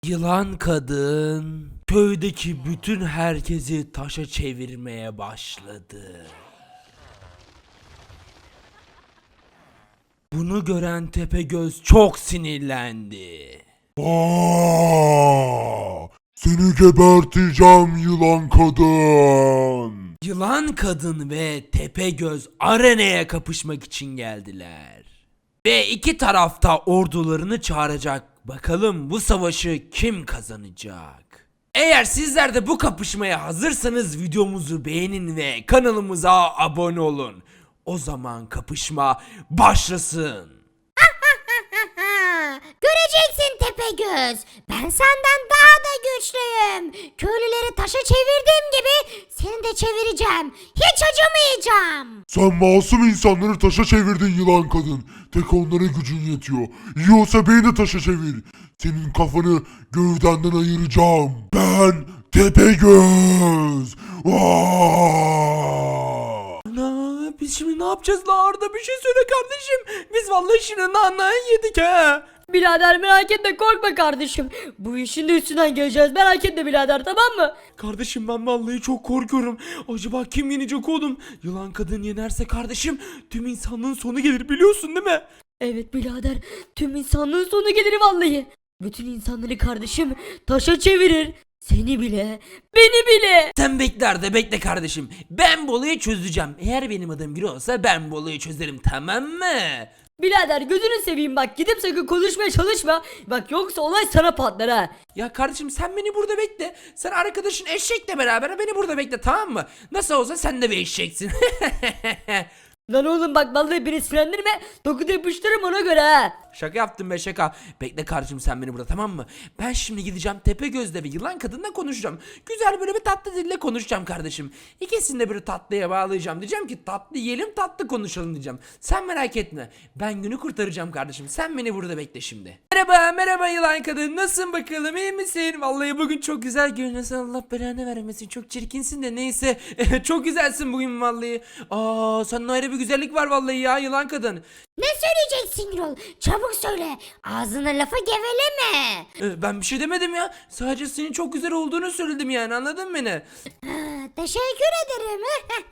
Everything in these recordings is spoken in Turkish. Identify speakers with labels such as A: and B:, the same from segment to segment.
A: Yılan kadın köydeki bütün herkesi taşa çevirmeye başladı. Bunu gören Tepegöz çok sinirlendi.
B: Seni geberteceğim yılan kadın.
A: Yılan kadın ve Tepegöz arenaya kapışmak için geldiler. Ve iki tarafta ordularını çağıracak. Bakalım bu savaşı kim kazanacak? Eğer sizler de bu kapışmaya hazırsanız videomuzu beğenin ve kanalımıza abone olun. O zaman kapışma başlasın.
C: Göreceksin Tepegöz. Ben senden daha da güçlüyüm. Köylüleri taşa çevirdiğim gibi seni de çevireceğim. Hiç acımayacağım.
B: Sen masum insanları taşa çevirdin yılan kadın. Tek onlara gücün yetiyor. İyi olsa beni de taşa çevir. Senin kafanı gövdenden ayıracağım. Ben Tepegöz.
A: Biz şimdi ne yapacağız la Arda, bir şey söyle kardeşim. Biz vallahi şimdi nanayı yedik ha.
D: Birader merak etme, korkma kardeşim. Bu işin de üstünden geleceğiz, merak etme birader, tamam mı?
A: Kardeşim ben vallahi çok korkuyorum. Acaba kim yenecek oğlum? Yılan kadın yenerse kardeşim tüm insanlığın sonu gelir, biliyorsun değil mi?
D: Evet birader, tüm insanlığın sonu gelir vallahi. Bütün insanları kardeşim taşa çevirir. Seni bile, beni bile.
A: Sen bekle Arda, bekle kardeşim. Ben bu olayı çözeceğim. Eğer benim adım biri olsa ben bu olayı çözerim, tamam mı?
D: Birader gözünü seveyim bak, gidip sakın konuşmaya çalışma. Bak yoksa olay sana patlar ha.
A: Ya kardeşim sen beni burada bekle. Sen arkadaşın eşekle beraber beni burada bekle, tamam mı? Nasıl olsa sen de bir eşeksin.
D: Lan oğlum bak vallahi beni sinirlendirme. Dokuda yapıştırırım ona göre ha.
A: Şaka yaptım be, şaka. Bekle kardeşim sen beni burada, tamam mı? Ben şimdi gideceğim Tepegöz'le ve yılan kadınla konuşacağım. Güzel böyle bir tatlı dille konuşacağım kardeşim. İkisini de bir tatlıya bağlayacağım. Diyeceğim ki tatlı yiyelim, tatlı konuşalım diyeceğim. Sen merak etme. Ben günü kurtaracağım kardeşim. Sen beni burada bekle şimdi. Merhaba yılan kadın. Nasılsın bakalım, iyi misin? Vallahi bugün çok güzel görünüyorsun. Allah belanı vermesin. Çok çirkinsin de neyse. Çok güzelsin bugün vallahi. Senin ayrı bir güzellik var vallahi ya yılan kadın.
C: Ne söyleyeceksin Gürol? Çabuk söyle. Ağzına lafı geveleme.
A: Ben bir şey demedim ya. Sadece senin çok güzel olduğunu söyledim yani, anladın mı beni?
C: Teşekkür ederim.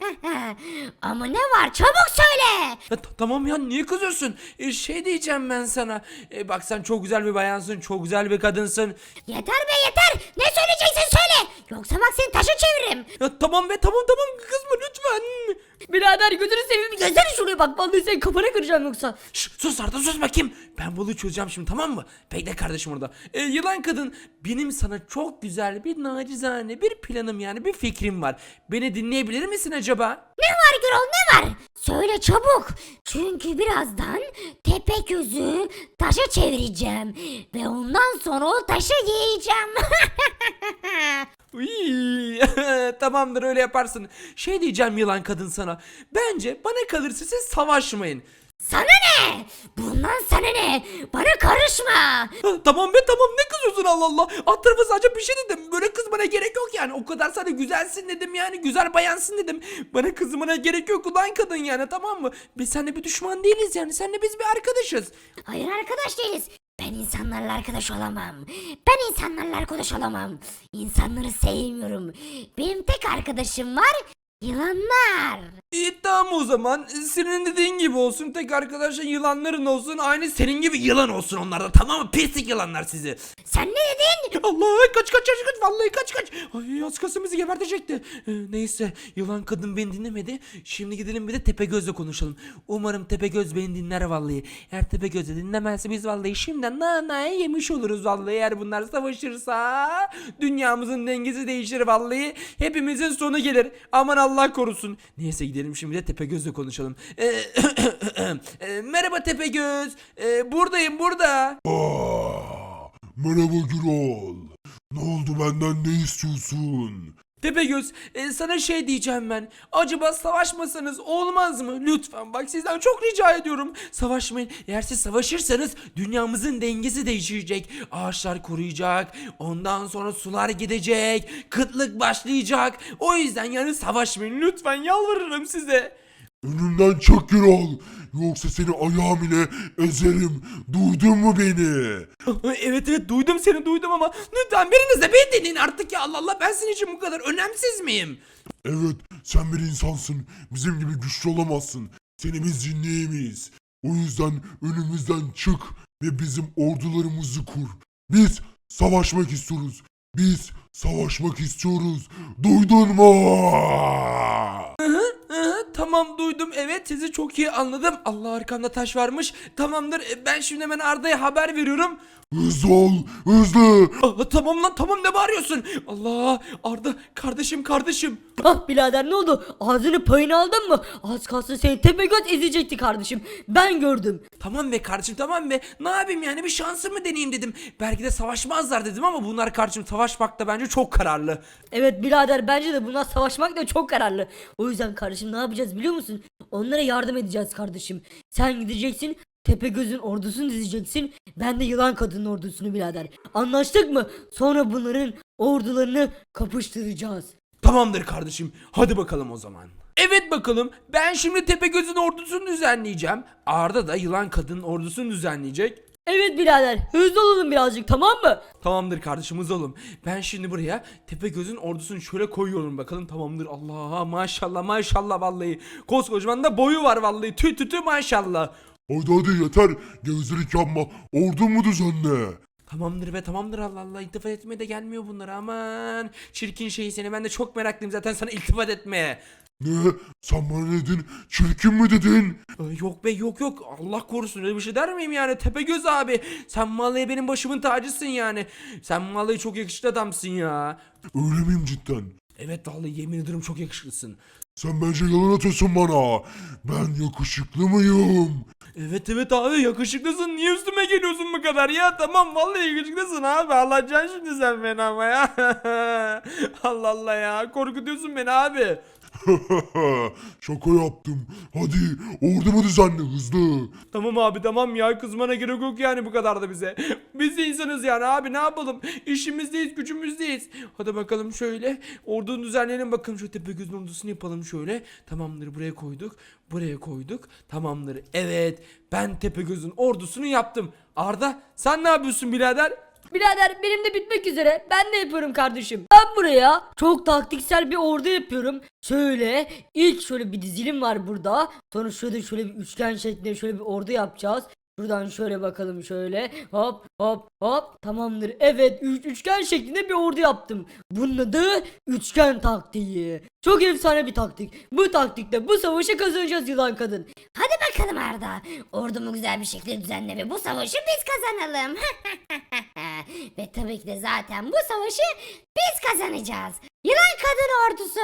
C: Ama ne var? Çabuk söyle.
A: Tamam ya, niye kızıyorsun? Şey diyeceğim ben sana. Bak sen çok güzel bir bayansın, çok güzel bir kadınsın.
C: Yeter be yeter. Ne söyleyeceksin söyle. Yoksa bak seni taşa çeviririm.
A: Ya tamam be, tamam kızma lütfen.
D: Birader gözünü seveyim, gelsene şuraya bak, vallahi senin kafana kıracağım yoksa.
A: Sus Arda, sus bakayım. Ben bunu çözeceğim şimdi, tamam mı? Bekle kardeşim orada. Yılan kadın, benim sana çok güzel bir nacizane bir planım, yani bir fikrim var. Beni dinleyebilir misin acaba?
C: Ne var Gürol ne var? Söyle çabuk. Çünkü birazdan Tepegöz'ü taşa çevireceğim. Ve ondan sonra o taşı yiyeceğim.
A: Uy, tamamdır, öyle yaparsın. Şey diyeceğim yılan kadın sana. Bence bana kalırsa siz savaşmayın.
C: Sana ne? Bundan sana ne? Bana karışma.
A: Tamam be, tamam, ne kızıyorsun Allah Allah. Alt tarafı sadece bir şey dedim. Böyle kızmana gerek yok yani. O kadar sana güzelsin dedim yani. Güzel bayansın dedim. Bana kızmana gerek yok ulan kadın yani, tamam mı? Biz seninle bir düşman değiliz yani. Seninle biz bir arkadaşız.
C: Hayır arkadaş değiliz. Ben insanlarla arkadaş olamam. Ben insanlarla arkadaş olamam. İnsanları sevmiyorum. Benim tek arkadaşım var. Yılanlar.
A: İyi tamam o zaman. Senin dediğin gibi olsun. Tek arkadaşın yılanların olsun. Aynı senin gibi yılan olsun onlar da, tamam mı? Pislik yılanlar sizi.
C: Sen ne dedin?
A: Allah, kaç. Vallahi kaç. Ay, az kalsın bizi gebertecekti. Neyse, yılan kadın beni dinlemedi. Şimdi gidelim bir de Tepegöz'le konuşalım. Umarım Tepegöz beni dinler vallahi. Eğer Tepegöz de dinlemezse biz vallahi şimdiden nanayı yemiş oluruz vallahi. Eğer bunlar savaşırsa dünyamızın dengesi değişir vallahi. Hepimizin sonu gelir. Aman Allah korusun. Neyse gidelim şimdi de Tepegöz'le konuşalım. Merhaba Tepegöz. Buradayım burada.
B: Merhaba Gürol. Ne oldu, benden ne istiyorsun?
A: Tepegöz, sana şey diyeceğim ben. Acaba savaşmasanız olmaz mı? Lütfen bak, sizden çok rica ediyorum. Savaşmayın. Eğer siz savaşırsanız dünyamızın dengesi değişecek. Ağaçlar kuruyacak. Ondan sonra sular gidecek. Kıtlık başlayacak. O yüzden yani savaşmayın. Lütfen yalvarırım size.
B: Önümden çık Gürol. Yoksa seni ayağım ile ezerim. Duydun mu beni?
A: Evet evet duydum seni duydum ama lütfen biriniz de beni dinleyin artık ya Allah Allah ben senin için bu kadar önemsiz miyim?
B: Evet, sen bir insansın. Bizim gibi güçlü olamazsın. Seni biz dinleyemeyiz. O yüzden önümüzden çık ve bizim ordularımızı kur. Biz savaşmak istiyoruz. Biz savaşmak istiyoruz. Duydun mu?
A: Tamam duydum evet sizi çok iyi anladım. Allah arkamda taş varmış. Tamamdır ben şimdi hemen Arda'ya haber veriyorum.
B: Hızlı ol, hızlı.
A: Tamam lan tamam ne bağırıyorsun? Allah Arda kardeşim.
D: Ah birader ne oldu? Ağzını payını aldın mı? Az kalsın seni tepegöz ezecekti kardeşim. Ben gördüm.
A: Tamam be kardeşim tamam be. Ne yapayım yani bir şansımı deneyeyim dedim. Belki de savaşmazlar dedim ama bunlar kardeşim savaşmakta bence çok kararlı.
D: Evet birader bence de bunlar savaşmak da çok kararlı. O yüzden kardeşim ne yapacağız biliyor musun? Onlara yardım edeceğiz kardeşim. Sen gideceksin Tepegöz'ün ordusunu dizeceksin. Ben de yılan kadının ordusunu birader. Anlaştık mı? Sonra bunların ordularını kapıştıracağız.
A: Tamamdır kardeşim. Hadi bakalım o zaman. Evet bakalım. Ben şimdi Tepegöz'ün ordusunu düzenleyeceğim. Arda da yılan kadının ordusunu düzenleyecek.
D: Evet birader hızlı olalım birazcık tamam mı?
A: Tamamdır kardeşim hızlı olun. Ben şimdi buraya Tepegöz'ün ordusunu şöyle koyuyorum bakalım. Tamamdır. Allah maşallah vallahi. Koskocaman da boyu var vallahi. Tü maşallah.
B: Hadi yeter. Gevezelik yapma. Ordu mu düzenle?
A: Tamamdır be tamamdır Allah Allah iltifat etmeye de gelmiyor bunlar aman. Çirkin şey seni ben de çok meraklıyım zaten sana iltifat etmeye.
B: Ne? Sen bana ne dedin? Çirkin mi dedin?
A: Yok be yok Allah korusun öyle bir şey der miyim yani Tepegöz abi. Sen vallahi benim başımın tacısın yani. Sen vallahi çok yakışıklı adamsın ya.
B: Öyle miyim cidden?
A: Evet vallahi yemin ederim çok yakışıklısın.
B: Sen bence yalan atıyorsun bana. Ben yakışıklı mıyım?
A: Evet abi yakışıklısın niye üstüme geliyorsun bu kadar ya tamam vallahi yakışıklısın abi anlatacaksın şimdi sen beni ama ya. Allah Allah ya korkutuyorsun beni abi.
B: Şaka yaptım. Hadi ordumu düzenle hızlı.
A: Tamam abi tamam ya kızmana gerek yok yani bu kadar da bize. Biz de insanız yani abi ne yapalım işimizdeyiz gücümüzdeyiz. Hadi bakalım şöyle ordunu düzenleyelim bakalım şu Tepegöz'ün ordusunu yapalım şöyle. Tamamdır buraya koyduk tamamdır evet ben Tepegöz'ün ordusunu yaptım. Arda sen ne yapıyorsun birader?
D: Birader benim de bitmek üzere. Ben de yapıyorum kardeşim. Ben buraya çok taktiksel bir ordu yapıyorum. Şöyle ilk şöyle bir dizilim var burada. Sonra şöyle bir üçgen şeklinde şöyle bir ordu yapacağız. Buradan şöyle bakalım şöyle hop tamamdır. Evet üçgen şeklinde bir ordu yaptım. Bunun adı üçgen taktiği. Çok efsane bir taktik. Bu taktikle bu savaşı kazanacağız yılan kadın.
C: Hadi bakalım Arda. Ordumu güzel bir şekilde düzenle ve bu savaşı biz kazanalım. Ve tabii ki de zaten bu savaşı biz kazanacağız. Yılan kadın ordusu.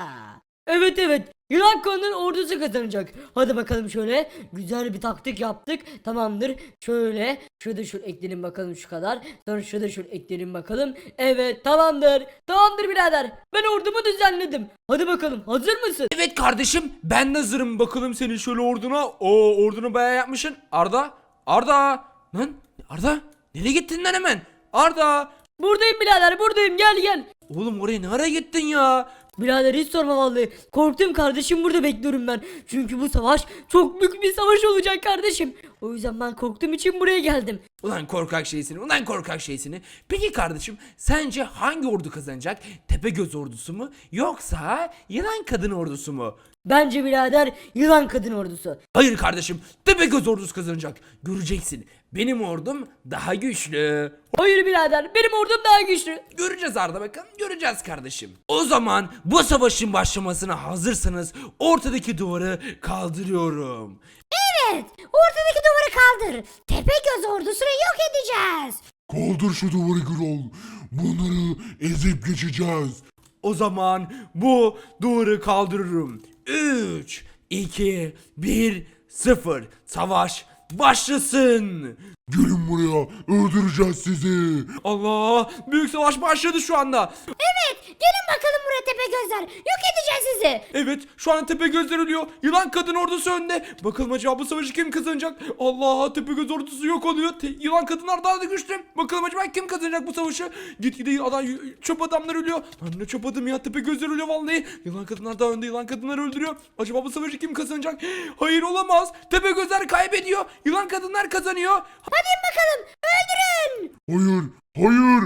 D: Evet yılan kadının ordusu kazanacak. Hadi bakalım şöyle güzel bir taktik yaptık. Tamamdır. Şöyle ekleyelim bakalım şu kadar. Sonra şöyle ekleyelim bakalım. Evet tamamdır. Tamamdır birader. Ben ordumu düzenledim. Hadi bakalım hazır mısın?
A: Evet kardeşim ben de hazırım bakalım senin şöyle orduna. Oo ordunu bayağı yapmışsın. Arda lan Arda nereye gittin lan hemen? Arda
D: Buradayım birader buradayım gel.
A: oğlum oraya ne ara gittin ya?
D: Birader hiç sorma vallahi. Korktum kardeşim burada bekliyorum ben. Çünkü bu savaş çok büyük bir savaş olacak kardeşim. O yüzden ben korktuğum için buraya geldim.
A: Ulan korkak şeysini. Peki kardeşim sence hangi ordu kazanacak? Tepegöz ordusu mu yoksa yılan kadın ordusu mu?
D: Bence birader yılan kadın ordusu.
A: Hayır kardeşim Tepegöz ordusu kazanacak. Göreceksin benim ordum daha güçlü.
D: Hayır birader benim ordum daha güçlü.
A: Göreceğiz Arda bakalım göreceğiz kardeşim. O zaman bu savaşın başlamasına hazırsanız ortadaki duvarı kaldırıyorum.
C: Evet, ortadaki duvarı kaldır. Tepegöz ordusunu yok edeceğiz.
B: Kaldır şu duvarı Gürol. Bunları ezip geçeceğiz.
A: O zaman bu duvarı kaldırırım. 3, 2, 1, 0. Savaş başlasın.
B: Gelin buraya. Öldüreceğiz sizi.
A: Allah! Büyük savaş başladı şu anda.
C: Evet, Gelin bakalım buraya Tepegözler. Yok edeceğiz sizi.
A: Evet, şu an Tepegözler ölüyor. Yılan kadın ordusu önde. Bakalım acaba bu savaşı kim kazanacak? Allah, Tepegöz ordusu yok oluyor. Yılan kadınlar daha da güçlü. Bakalım acaba kim kazanacak bu savaşı? Gitgide çöp adamlar ölüyor. Ben de çöp adam ya, Tepegözler ölüyor vallahi. Yılan kadınlar daha önde, yılan kadınlar öldürüyor. Acaba bu savaşı kim kazanacak? Hayır, olamaz. Tepegözler kaybediyor. Yılan kadınlar kazanıyor.
C: Hadi bakalım öldürün.
B: Hayır. Hayır.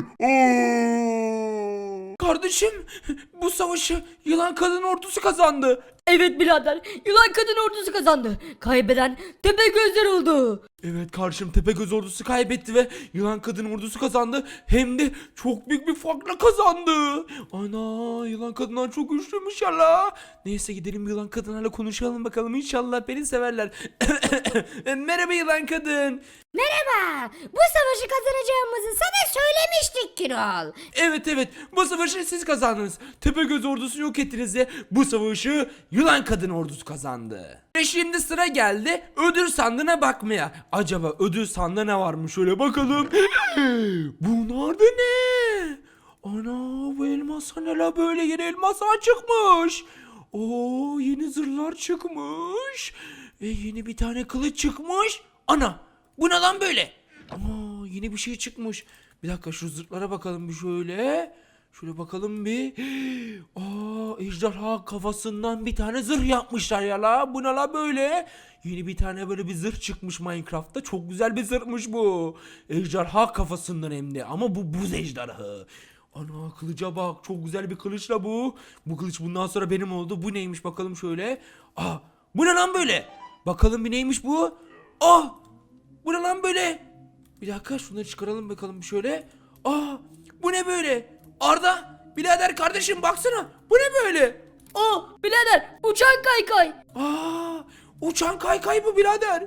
B: Aa!
A: Kardeşim, bu savaşı yılan kadın ordusu kazandı.
D: Evet birader, yılan kadın ordusu kazandı. Kaybeden Tepegözler oldu.
A: Evet karşım, Tepegöz ordusu kaybetti ve yılan kadın ordusu kazandı. Hem de çok büyük bir farkla kazandı. Ana, yılan kadınlar çok güçlüymüş ya la. Neyse, gidelim yılan kadınlarla konuşalım bakalım, inşallah beni severler. Merhaba yılan kadın.
C: Merhaba. Bu savaşı kazanacağımızı sana söylemiştik Kirol.
A: Evet, bu savaşı siz kazandınız. Tepegöz ordusunu yok ettiniz ve bu savaşı yılan kadın ordusu kazandı. Ve şimdi sıra geldi ödül sandığına bakmaya. Acaba ödül sandığında ne varmış, şöyle bakalım. Bunlar da ne? Ana, bu elmaslar ne la böyle, yeni elmaslar çıkmış. Oo, yeni zırhlar çıkmış. Ve yeni bir tane kılıç çıkmış. Ana, bu ne lan böyle? Aa, yeni bir şey çıkmış. Bir dakika, şu zırhlara bakalım bir şöyle. Şöyle bakalım bir. Aa, ejderha kafasından bir tane zırh yapmışlar ya la. Bu ne la böyle? Yeni bir tane böyle bir zırh çıkmış Minecraft'ta. Çok güzel bir zırhmış bu. Ejderha kafasından hem de. Ama bu buz ejderhası. Ana, kılıca bak. Çok güzel bir kılıçla bu. Bu kılıç bundan sonra benim oldu. Bu neymiş bakalım şöyle. Aa, bu ne lan böyle? Bakalım bir neymiş bu? Ah! Bu ne lan böyle? Bir dakika, şunları çıkaralım bakalım bir şöyle. Aa, bu ne böyle? Arda, birader kardeşim baksana. Bu ne böyle?
D: Oh birader, uçan kaykay.
A: Aa, uçan kaykay bu birader.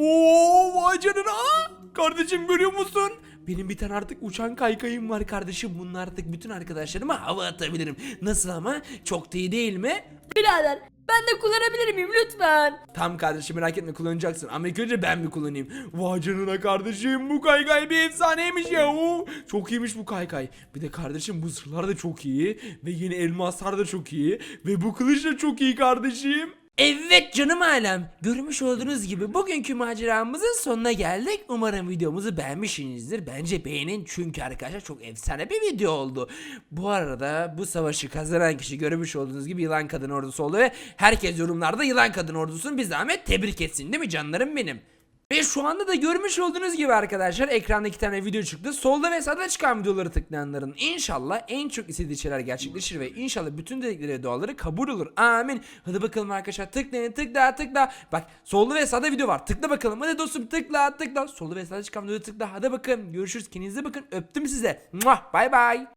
A: Oo, vay canına. Kardeşim, görüyor musun? Benim bir tane artık uçan kaykayım var kardeşim. Bununla artık bütün arkadaşlarıma hava atabilirim. Nasıl ama? Çok da iyi değil mi?
D: Birader, ben de kullanabilir miyim lütfen?
A: Tam kardeşim, merak etme, kullanacaksın. Ama ilk önce ben mi kullanayım? Vay canına kardeşim, bu kaykay bir efsaneymiş ya. Oo, çok iyiymiş bu kaykay. Bir de kardeşim, bu zırhlar da çok iyi. Ve yeni elmaslar da çok iyi. Ve bu kılıç da çok iyi kardeşim. Evet canım ailem, görmüş olduğunuz gibi bugünkü maceramızın sonuna geldik. Umarım videomuzu beğenmişsinizdir. Bence beğenin, çünkü arkadaşlar çok efsane bir video oldu. Bu arada bu savaşı kazanan kişi görmüş olduğunuz gibi yılan kadın ordusu oldu ve herkes yorumlarda yılan kadın ordusunu bir zahmet tebrik etsin, değil mi canlarım benim? Ve şu anda da görmüş olduğunuz gibi arkadaşlar, ekranda 2 tane video çıktı. Solda ve sağda çıkan videoları tıklayanların inşallah en çok istediği şeyler gerçekleşir ve inşallah bütün dedikleri duaları kabul olur. Amin. Hadi bakalım arkadaşlar, tıklayın, tıkla. Bak, solda ve sağda video var. Tıkla bakalım. Hadi dostum, tıkla. Solda ve sağda çıkan videoları tıkla. Hadi bakın. Görüşürüz. Kendinize bakın. Öptüm size. Bay bay.